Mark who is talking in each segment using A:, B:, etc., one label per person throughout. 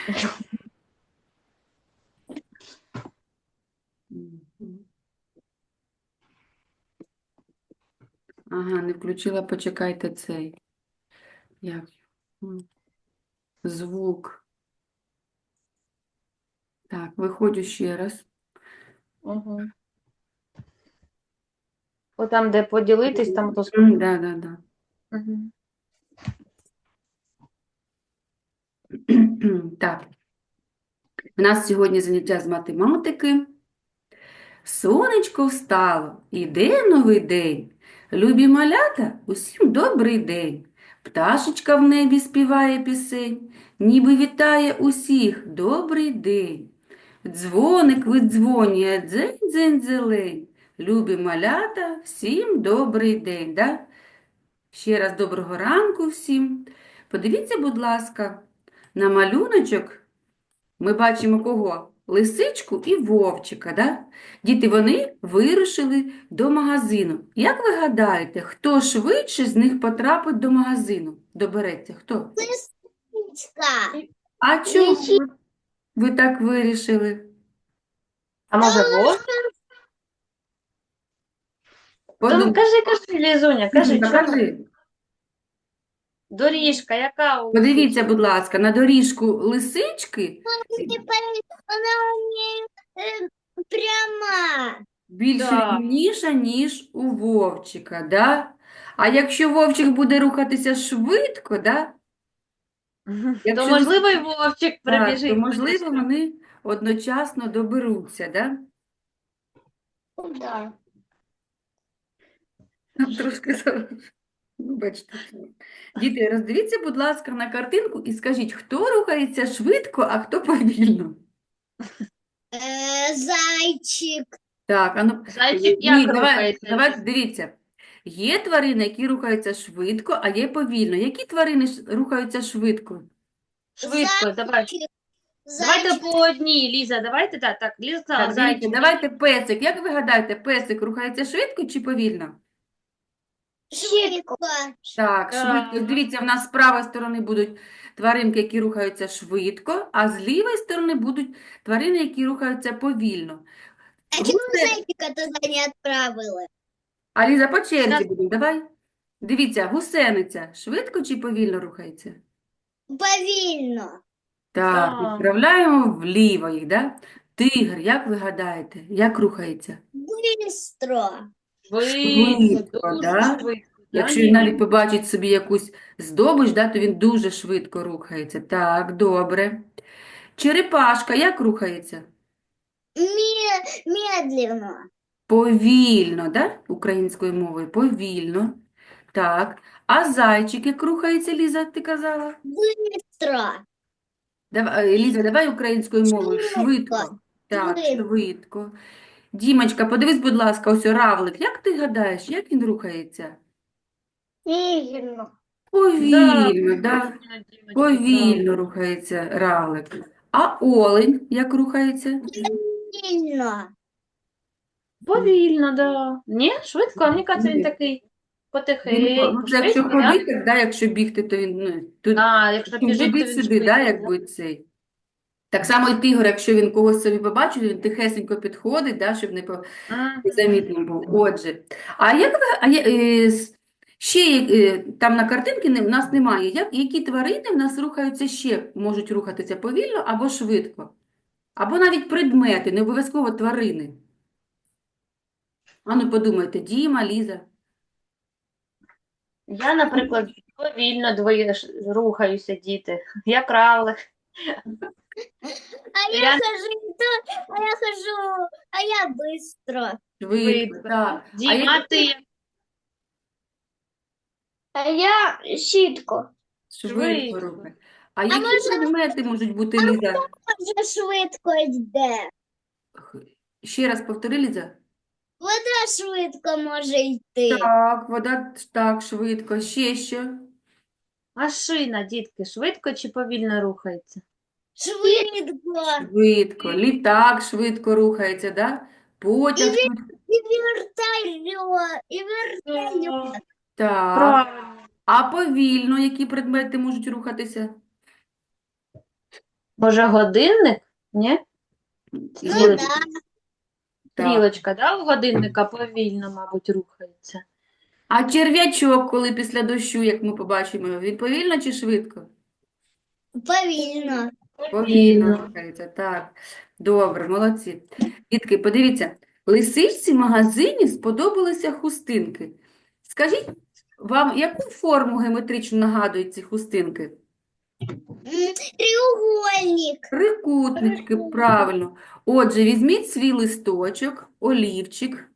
A: Мгм. Ага, не включила, почекайте цей. Як? М, Звук. Так, виходжу ще раз.
B: Угу. О, там, де поділитись, там то.
A: Да, да, да.
B: Угу.
A: Так, у нас сьогодні заняття з математики. Сонечко встало, іде новий день. Любі малята, усім добрий день. Пташечка в небі співає пісень, ніби вітає усіх добрий день. Дзвоник видзвонює дзень-дзень-зелень. Любі малята, всім добрий день. Да? Ще раз доброго ранку всім. Подивіться, будь ласка, на малюночок ми бачимо кого? Лисичку і вовчика, да? Діти, вони вирушили до магазину. Як ви гадаєте, хто швидше з них потрапить до магазину? Добереться, хто?
C: Лисичка.
A: А чому ви так вирішили?
B: А може вовк? Там
A: Подумайте,
B: кажи, Лізуня, кажи, чому?
A: кажи.
B: Доріжка, яка у
A: Подивіться,
B: лисички?
A: будь ласка, на доріжку лисички
C: Она не пряма.
A: більш
B: Да.
A: рівніша, ніж у вовчика, да? А якщо вовчик буде рухатися швидко, да?
B: То,
A: Якщо
B: можливо, і вовчик
A: так, то,
B: прибіжить
A: можливо,
B: швидше.
A: вони одночасно доберуться, да?
C: Да.
A: Трошки ну, бачите. Діти, роздивіться, будь ласка, на картинку і скажіть, хто рухається швидко, а хто повільно.
C: Зайчик.
A: Так, а ну,
B: Зайчик
A: ні,
B: як рухається?
A: давайте, дивіться. Є тварини, які рухаються швидко, а є повільно. Які тварини рухаються швидко?
B: Швидко, давай.
C: Зайчик.
B: Давайте
C: Зайчик.
B: по одній, Ліза, давайте так. Ліза сказала,
A: Так, дивіться,
B: зайчик.
A: давайте песик. Як ви гадаєте, песик рухається швидко чи повільно?
C: Швидко.
A: Так, швидко.
B: Так.
A: Дивіться, в нас з правої сторони будуть тваринки, які рухаються швидко, а з лівої сторони будуть тварини, які рухаються повільно.
C: А чому зайчика туди не відправили?
A: Аліза, по черзі
B: Щас.
A: будемо, давай. Дивіться, гусениця швидко чи повільно рухається?
C: Повільно.
A: Так,
B: Так.
A: відправляємо вліво їх, да? Тигр, як ви гадаєте, як рухається?
C: Бистро.
B: Швидко,
A: Швидко,
B: дуже
A: да?
B: швидко.
A: Якщо він навіть побачить собі якусь здобич, да, то він дуже швидко рухається. Так, добре. Черепашка як рухається?
C: Медленно.
A: Повільно, да? Українською мовою, повільно. Так. А зайчик як рухається, Ліза, ти казала?
C: Бистро.
A: Ліза, давай українською мовою.
C: Швидко.
A: Швидко. Так,
C: Швидко.
A: швидко. Дімочка, подивись, будь ласка, ось равлик. Як ти гадаєш, як він рухається?
C: Медленно.
B: Да,
A: Повільно, да?
B: правильно, Дімочка,
A: Повільно
B: правильно.
A: рухається равлик. А олень як рухається?
C: Сильно.
B: Повільно, да. Ні, швидко, а мені кажеться, він
A: Ні.
B: такий
A: Ну,
B: потихеньку,
A: це якщо
B: швидко, да?
A: ходити, да? Якщо бігти, то він тут
B: А, якщо біжить, то він
A: туди-сюди, да,
B: швидко, да?
A: якби цей. Так само і тигр, якщо він когось собі побачить, він тихесенько підходить, да, щоб
B: М.
A: незамітно був. Отже, а як ви, ще там на картинці в нас немає, які тварини в нас рухаються ще, можуть рухатися повільно або швидко? Або навіть предмети, не обов'язково тварини. Ану, подумайте, Діма, Ліза.
B: Я, наприклад, повільно рухаюся, діти. Я кравлик.
C: А я
B: Я
C: хожу, а я быстро.
A: Швидко,
B: швидко.
A: так. А
B: Діма,
A: які
B: ти
C: А я щітко.
A: швидко
B: швидко.
A: рухають. А які предмети можуть бути, Ліза?
C: Дуже швидко йде.
A: Ще раз повтори, Ліза.
C: Вода швидко може йти.
A: Так, вода так, швидко. Ще що?
B: Машина, дітки, швидко чи повільно рухається?
C: Швидко.
A: Швидко. Літак швидко рухається, да? Потяг швидко.
C: І вертольот. І вертольот.
A: Так.
B: Правильно.
A: А повільно які предмети можуть рухатися?
B: Може, годинник? Ні?
C: Ну
B: Стрілочка,
C: да.
A: Так.
B: стрілочка, да, у годинника повільно, мабуть, рухається.
A: А черв'ячок, коли після дощу, як ми побачимо, він повільно чи швидко?
C: Повільно.
A: Повільно рухається, так. Добре, молодці. Дітки, подивіться, лисичці в магазині сподобалися хустинки. Скажіть, вам яку форму геометричну нагадують ці хустинки?
C: Треугольник.
A: Трикутнички, правильно. Отже, візьміть свій листочок, олівчик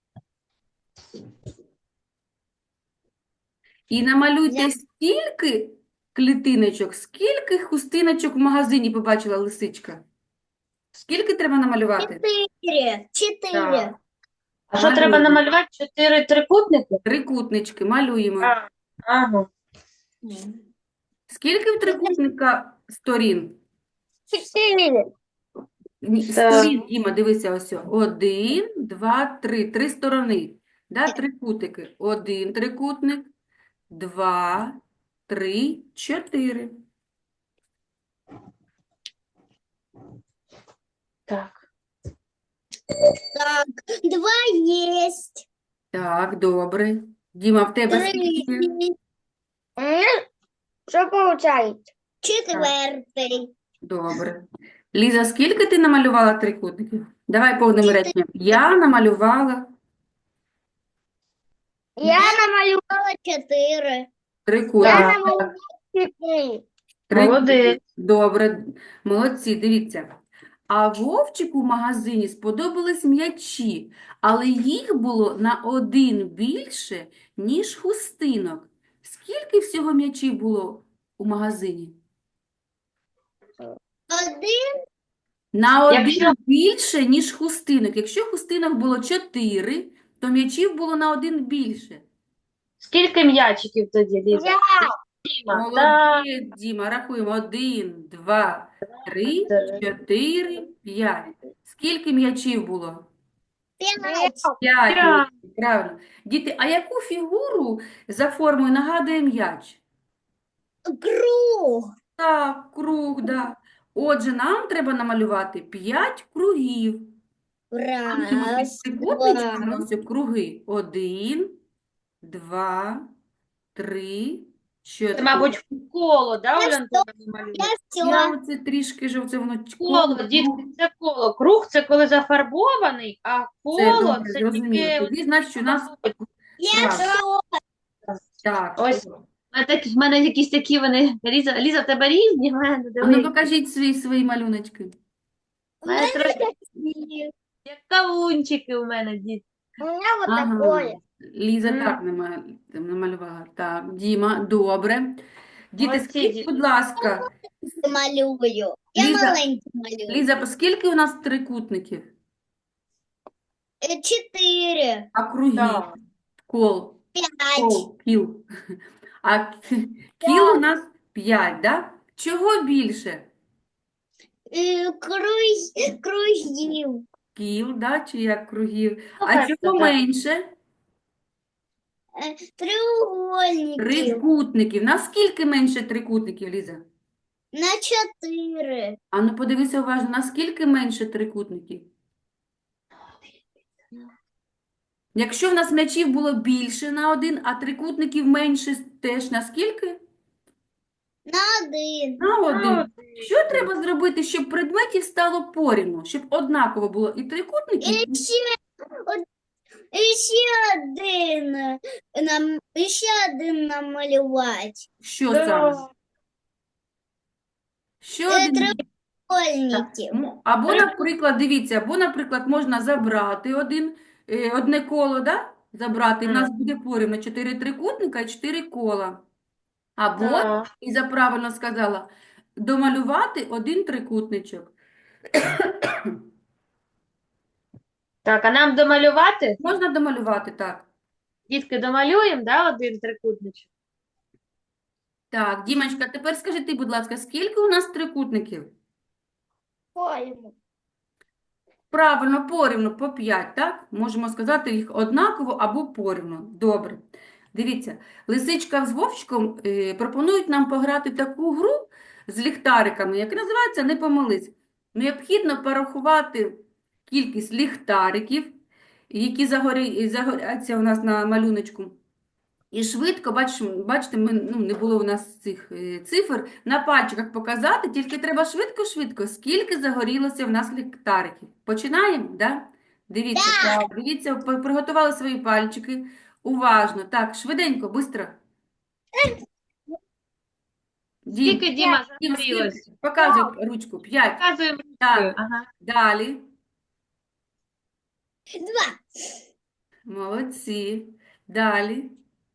A: і намалюйте стільки клітиночок, скільки хустиночок в магазині побачила лисичка. Скільки треба намалювати?
C: 4.
A: Так.
B: А що треба
A: Малюємо.
B: намалювати? 4 трикутники?
A: Трикутнички малюємо.
B: Ага.
A: Скільки в трикутника сторін?
C: 4.
A: Сторін, Діма, дивися ось. 1, 2, 3. 3 сторони. Да, трикутики. 1 трикутник, 2, 3, 4.
B: Так.
C: Так, 2 есть.
A: Так, добре. Діма, в тебе
C: 3
A: скільки?
C: Что получается? 4.
A: Добре. Ліза, скільки ти намалювала трикутників? Давай повним реченням. Я намалювала
C: Я намалювала 4.
A: трикутник.
B: Так.
C: намалювала 4.
B: Молодець.
A: Добре, молодці, дивіться. А Вовчику в магазині сподобались м'ячі, але їх було на 1 більше, ніж хустинок. Скільки всього м'ячів було у магазині?
C: 1.
A: На 1
B: Якщо-
A: більше, ніж хустинок. Якщо хустинок було 4, то м'ячів було на 1 більше.
B: Скільки м'ячиків тоді, Ліза?
C: Я.
B: Діма, так.
A: Молодець, Діма, рахуємо. 1, 2, 3, 4, 5. Скільки м'ячів було?
C: 5.
A: 5
B: П'ять.
A: м'ячів, правильно. Діти, а яку фігуру за формою нагадує м'яч?
C: Круг.
A: Так, круг, да. Отже, нам треба намалювати 5 кругів. Малюємо під
C: Раз,
A: трикутничками,
C: два.
A: ось круги. 1, 2, 3, 4.
B: Це, мабуть, коло, да, Оля Антонівна, малює?
A: Я
C: Все.
A: оце трішки жовце, воно
B: Коло,
A: коло,
B: дітки, це коло. Круг – це коли зафарбований, а
A: Це
B: коло
A: добре,
B: – це
A: зрозуміло.
B: тільки...
A: Тоді, значить, у нас
C: Я
A: Так.
C: все.
A: так.
B: Ось. В мене якісь такі вони... Ліза, в тебе різні? В мене,
A: А ну
B: дивись.
A: покажіть свої малюночки.
C: У меня
B: Трохи-
C: такие.
B: Як кавунчики у мене, діти.
C: У меня вот
A: Ага.
C: такое.
A: Ліза
B: Мгм.
A: так намалювала. Так, Діма, добре. Діти,
B: Молодці,
A: скажіть,
B: діти.
A: будь ласка,
C: Малюю. Я
A: Лиза.
C: маленький малюю.
A: Ліза, скільки у нас трикутників?
C: 4.
A: А кругів?
B: Так.
A: Кол,
C: 5.
A: кіл. А кіл у нас 5, да? Чого більше?
C: Кружів.
A: Кіл, да? Чи як кругів? А
B: Слухайте,
A: чого
B: так.
A: менше?
C: Треугольників.
A: Трикутників. Наскільки менше трикутників, Ліза?
C: На 4.
A: А ну подивися уважно, наскільки менше трикутників? Якщо в нас м'ячів було більше на 1, а трикутників менше теж на скільки?
C: На 1.
A: На 1.
B: Молодці.
A: Що треба зробити, щоб предметів стало порівну? Щоб однаково було і трикутників,
C: І ще один намалювати.
A: що
B: Да.
A: саме? Що один?
C: Треугольників.
A: Або, наприклад, дивіться, або, наприклад, можна забрати одне коло, да? Забрати, і в нас буде порівну 4 трикутника і 4 кола. Або,
B: Так.
A: Ліза правильно сказала, домалювати 1 трикутничок.
B: Так, а нам домалювати?
A: Можна домалювати, так.
B: Дітки, домалюємо, да, 1 трикутничок?
A: Так, Дімочка, тепер скажи ти, будь ласка, скільки у нас трикутників?
C: Порівну.
A: Правильно, порівну, по 5, так? Можемо сказати їх однаково або порівну. Добре. Дивіться, Лисичка з Вовчиком пропонують нам пограти таку гру, з ліхтариками, як називається, не помились. Необхідно порахувати кількість ліхтариків, які загоряться у нас на малюночку. І швидко, бачите, не було у нас цих цифр, на пальчиках показати, тільки треба швидко-швидко, скільки загорілося в нас ліхтариків. Починаємо, да? Дивіться, так, дивіться, приготували свої пальчики. Уважно, так, швиденько, швидко. Дім,
B: Скільки, Діма,
A: Дім,
B: загорілось?
A: скільки? Показуй ручку, 5.
B: Показуємо
A: Так,
B: ручкою. Ага.
A: далі.
C: 2,
A: Молодці. Далі.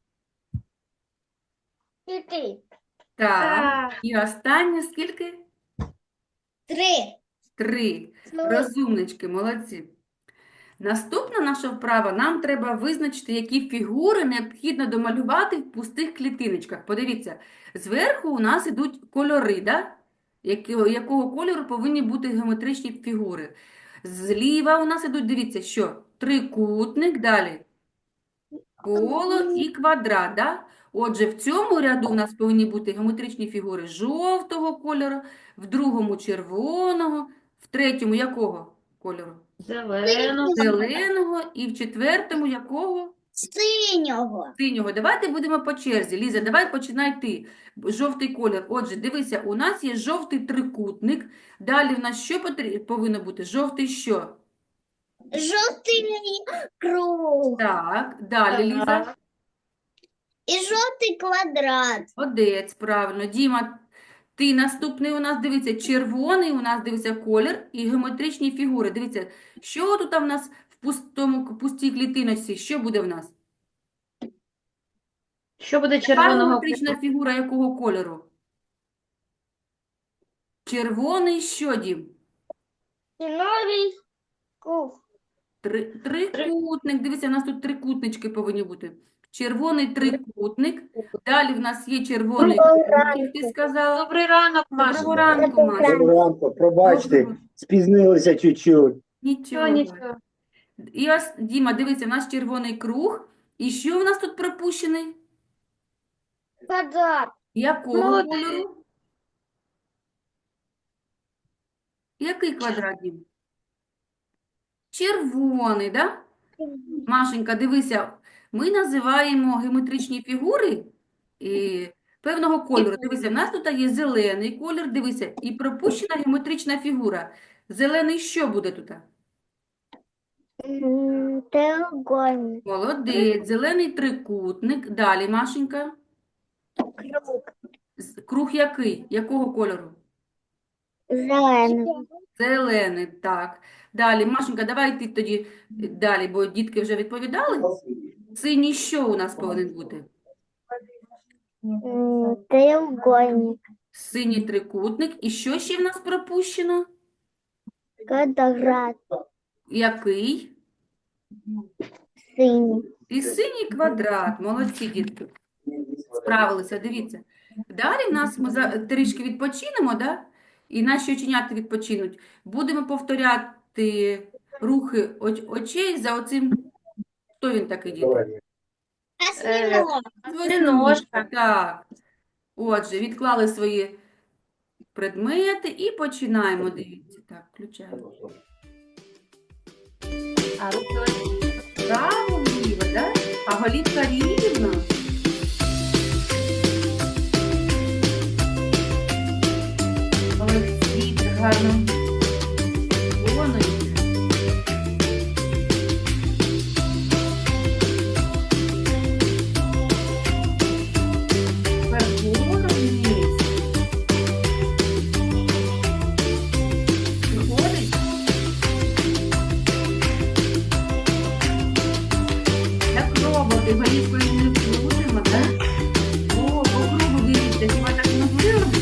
C: 4,
A: Так.
B: Так.
A: І останнє скільки?
C: 3,
A: 3. Розумнички, молодці. Наступна наша вправа, нам треба визначити, які фігури необхідно домалювати в пустих клітиночках. Подивіться, зверху у нас ідуть кольори, да? Якого кольору повинні бути геометричні фігури. Зліва у нас ідуть, дивіться, що? Трикутник, далі коло і квадрат, да? Отже, в цьому ряду у нас повинні бути геометричні фігури жовтого кольору, в другому червоного, в третьому якого кольору?
B: Зелену.
A: Зеленого і в четвертому якого?
C: синього,
A: Синього. Давайте будемо по черзі. Ліза, давай починай ти. Жовтий колір. Отже, дивися, у нас є жовтий трикутник. Далі в нас що повинно бути? Жовтий що?
C: жовтий круг
A: Так, далі, Ліза.
B: Так.
C: і жовтий квадрат.
A: Молодець, правильно. Діма, ти наступний у нас, дивиться, червоний у нас, дивиться, колір і геометричні фігури. Дивіться, що тут в нас в пустій клітиночці? Що буде в нас?
B: Що буде
A: Яка
B: червоного
A: геометрична фігура якого кольору? Червоний що, Дім?
C: І новий круг.
A: Трикутник. Дивіться, у нас тут трикутнички повинні бути. Червоний трикутник. Далі в нас є червоний круг, ти сказала.
B: Добрий ранок,
A: Доброго
B: Маша.
A: ранку, Маша.
D: Доброго ранку, пробачте,
A: Доброго.
D: спізнилися чуть-чуть.
A: Нічого.
B: Нічого.
A: І ось, Діма, дивіться, у нас червоний круг. І що в нас тут пропущений?
C: Квадрат.
A: Якого
B: Молодець.
A: кольору? Який квадрат, Дім? Червоний, да? Машенька, дивися, ми називаємо геометричні фігури певного кольору. Дивися, в нас тут є зелений колір, дивися, і пропущена геометрична фігура. Зелений що буде тут?
C: Треугольник.
A: Молодець, зелений трикутник. Далі, Машенька.
C: Круг.
A: Круг який? Якого кольору?
C: Зелений.
A: Зелений, так. Далі, Машенька, давай ти тоді далі, бо дітки вже відповідали. Синій що у нас повинен бути?
C: Треугольник.
A: Синій трикутник. І що ще в нас пропущено?
C: Квадрат.
A: Який?
C: Синій.
A: І синій квадрат. Молодці, дітки. Справилися, дивіться. Далі в нас ми трішки відпочинемо, да? І наші оченята відпочинуть. Будемо повторяти рухи очей за оцим. Хто він такий, дітки?
C: Осьминог.
B: Осьминожка.
A: Так. Отже, відклали свої предмети і починаємо. Дивіться. Так, включаємо.
B: А руки ось.
A: Право, вліво, да? А голівка рівна. Молодці, так гарно виконуєте. Тепер вгору вниз. Виходить? Так роботи, голівкою не крутимо, так? О, по кругу дивіться, хіба так не могли робити?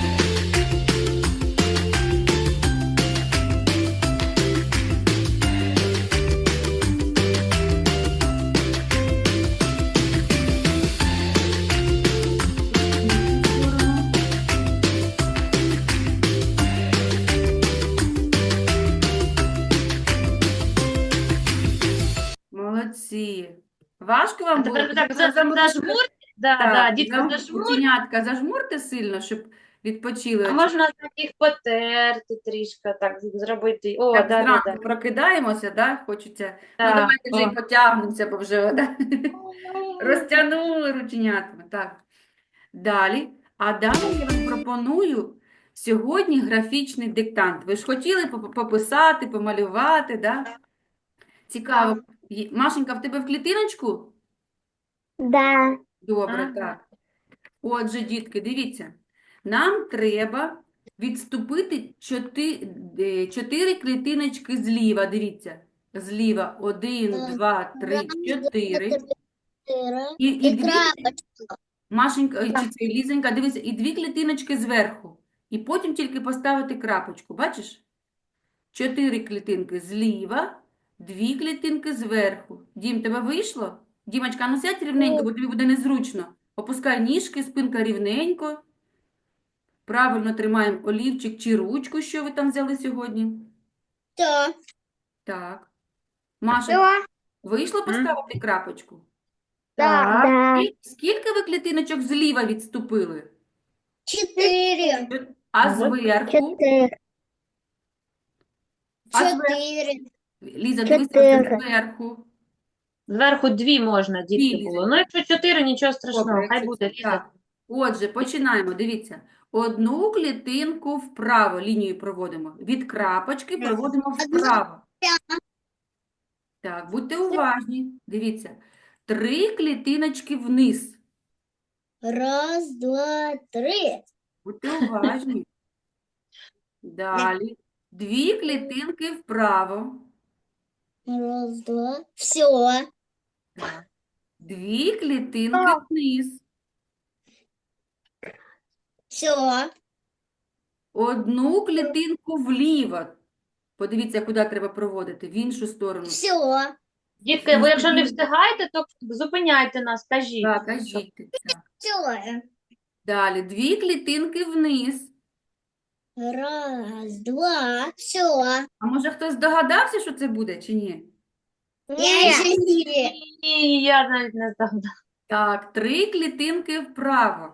A: Молодці. Важко вам було?
B: Тепер так
A: Зажмурте.
B: зажмурте. Да,
A: Так,
B: да, дітка, зажмурте.
A: оченятка зажмурте сильно, щоб відпочили.
B: А можна так їх потерти трішки, так зробити. О,
A: Так,
B: да.
A: зранку прокидаємося, да? Хочеться. Ну,
B: Так,
A: давайте вже
B: о.
A: і потягнемося, бо вже да? Розтягнули рученятами. Так. Далі. А далі я вам пропоную сьогодні графічний диктант. Ви ж хотіли пописати, помалювати, да? Цікаво. Машенька, в тебе в клітиночку?
C: Да.
A: Добре,
B: Ага.
A: так. Отже, дітки, дивіться. Нам треба відступити 4 клітиночки зліва. Дивіться. Зліва 1, 2, 3, 4. І
C: И
A: дві,
C: крапочка.
A: Машенька, чи це Лізенька, дивіться, і 2 клітиночки зверху. І потім тільки поставити крапочку. Бачиш? 4 клітинки зліва, 2 клітинки зверху. Дім, тебе вийшло? Дімочка, ну сядь рівненько, бо тобі буде незручно. Опускай ніжки, спинка рівненько. Правильно тримаємо олівчик чи ручку, що ви там взяли сьогодні.
C: Да.
A: Так. Маша,
C: Да.
A: вийшло поставити крапочку?
B: Так.
C: Да.
A: Скільки ви клітиночок зліва відступили?
C: 4.
A: А зверху?
C: 4.
A: А зверху?
C: 4.
A: Ліза, дивися, це
C: 4.
A: зверху.
B: Зверху 2 можна, дітки,
A: Дві,
B: було. Ну, якщо 4, нічого страшного,
A: Добре,
B: хай
A: якщо
B: буде,
A: це
B: Ліза.
A: так. Отже, починаємо. Дивіться. Одну клітинку вправо лінію проводимо. Від крапочки проводимо вправо. Так, будьте уважні. Дивіться. 3 клітиночки вниз.
C: 1, 2, 3.
A: Будьте уважні. Далі. 2 клітинки вправо.
C: 1, 2. Все.
A: Так. 2 клітинки вниз.
C: Все.
A: Одну клітинку вліво. Подивіться, куди треба проводити. В іншу сторону.
C: Все.
B: Дітки, ви якщо не встигаєте, то зупиняйте нас, кажіть.
A: Так, кажіть. Так.
C: Все.
A: Далі. 2 клітинки вниз.
C: 1, 2. Все.
A: А може хтось здогадався, що це буде, чи ні?
C: Я еще не.
B: Ні, я навіть не здогадала.
A: Так, 3 клітинки вправо.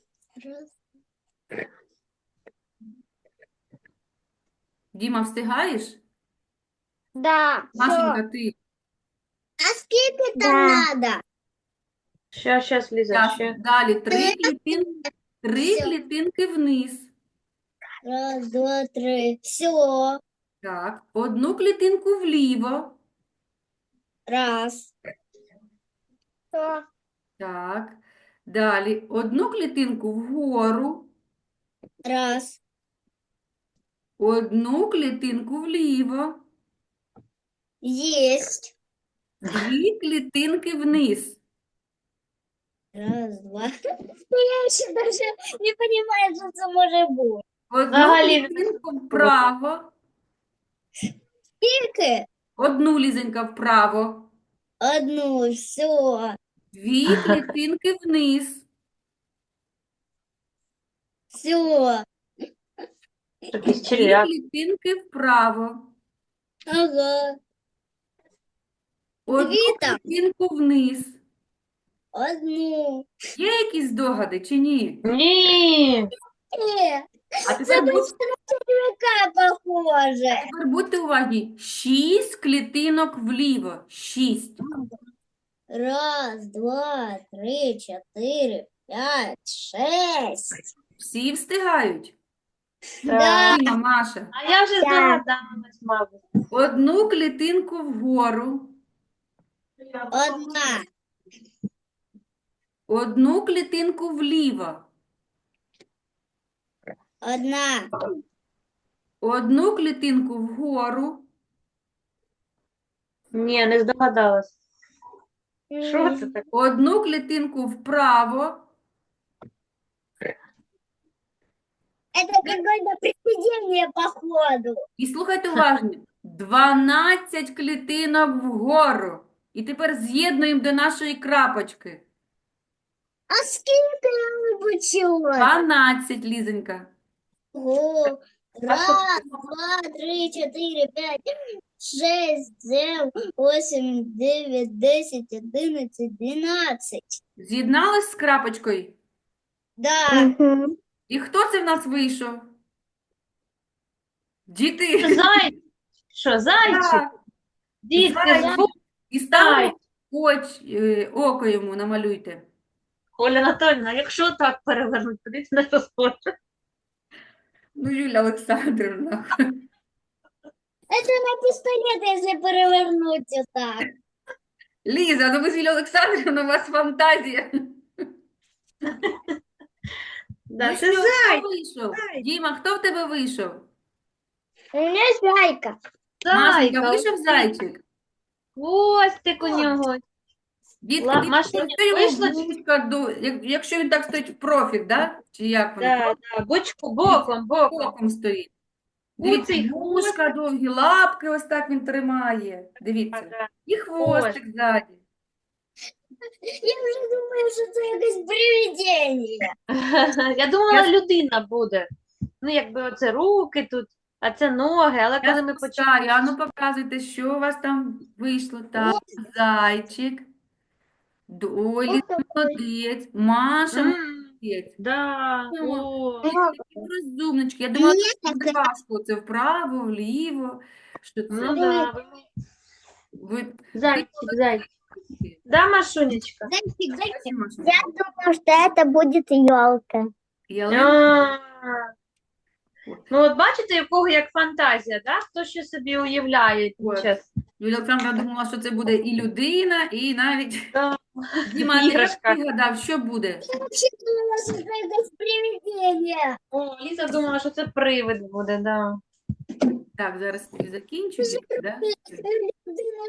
A: Діма, встигаєш?
C: Да.
A: Машенька, ти?
C: А сколько там надо?
B: Щас, Ліза,
A: Ясно.
B: ще.
A: Далі. 3
C: Всё.
A: клітинки вниз.
C: 1, 2, 3. Все.
A: Так. Одну клітинку вліво.
C: Раз.
A: Так. Далі. Одну клітинку вгору.
C: Раз.
A: Одну клітинку вліво.
C: Есть.
A: 2 клітинки вниз.
C: 1, 2. Я еще даже не понимаю, что это может быть.
A: Одну
B: Взагалі не
A: клітинку вправо.
C: Сколько?
A: Одну лізенька вправо.
C: 1. Все.
A: 2 клітинки вниз.
C: Все.
B: Якийсь
A: 2
B: черв'як.
A: клітинки вправо.
C: Ага.
A: Одну
C: Дві там.
A: клітинку вниз.
C: 1.
A: Є якісь здогади чи ні?
B: Ні.
A: А тепер,
C: Червяка похоже.
A: тепер будьте уважні. 6 клітинок вліво. 6.
C: 1, 2, 3, 4, 5, 6.
A: Всі встигають?
C: Да.
A: Діма, Маша.
B: А я вже здогадалась, мабуть.
A: Одну клітинку вгору.
C: 1.
A: Одну клітинку вліво.
C: 1.
A: Одну клітинку вгору.
B: Ні, не здогадалась. Що це таке?
A: Одну клітинку вправо.
C: Это какое-то привидение, походу.
A: І слухайте уважно. 12 клітинок вгору. І тепер з'єднуємо до нашої крапочки.
C: А сколько я выбучила?
A: 12, Лізенька.
C: Ого.
B: А что
C: 1, 2, 3, 4, 5, 6, 7, 8, 9, 10, 11, 12.
A: З'єдналась з крапочкою?
C: Да.
A: І хто це в нас вийшов? Діти.
B: Зайчик. Що, зайчик?
A: Так,
B: Дітки,
A: зайчик. І ставимо
B: зайчик.
A: око йому намалюйте.
B: Оля Анатольевна, якщо так перевернуть, куди це не розходить?
A: Ну, Юлія Олександрівна.
C: Это на пистолет, если перевернуть вот так.
A: Ліза, ну ви з Юлією Олександрівною, у вас фантазія.
B: Да,
A: Ну
B: це
A: що,
B: зайчик.
A: хто вийшов? Діма, хто в тебе вийшов?
C: У меня зайка.
A: Машенька,
B: Зайка,
A: вийшов зайчик?
B: хвостик у нього.
A: Дітки,
B: Машуня,
A: просто йому
B: вийшла чи-
A: вушка якщо він так стоїть в профіль, да? Чи як воно?
B: Да, боком.
A: Боком стоїть. Дивіться,
B: Куций
A: вушка довгі, лапки ось так він тримає. Дивіться.
B: Да.
A: І хвостик ззаді.
C: Я уже думаю, что это якесь привидение.
B: Я думала, людина буде. Ну, якби оце руки тут, а це ноги, але коли ми почали.
A: Спускаю. А ну показуйте, що у вас там вийшло. Так, зайчик. Ой, Ліза молодець. Маша молодець.
B: Да, о.
A: Такі розумнички. Я думала, що буде важко це вправо, вліво. Що це?
B: Ну да,
A: Ви...
B: зайчик. Да, Машунечка?
C: Зайчик, зайчик.
A: Маша?
C: Я думаю, что это будет елка.
A: Ялинка.
B: А. Ну, от бачите, у кого як фантазія, да? Хто що собі уявляє під
A: От.
B: час.
A: Юлія Олександровна думала, що це буде і людина, і навіть
B: Да.
A: Діма, ти як
B: Іграшка.
A: пригадав, що буде?
C: Я вообще думала, что это якесь привидение.
B: О, Ліза думала, що це привид буде, да.
A: Так, зараз і закінчу. Да?
C: Людина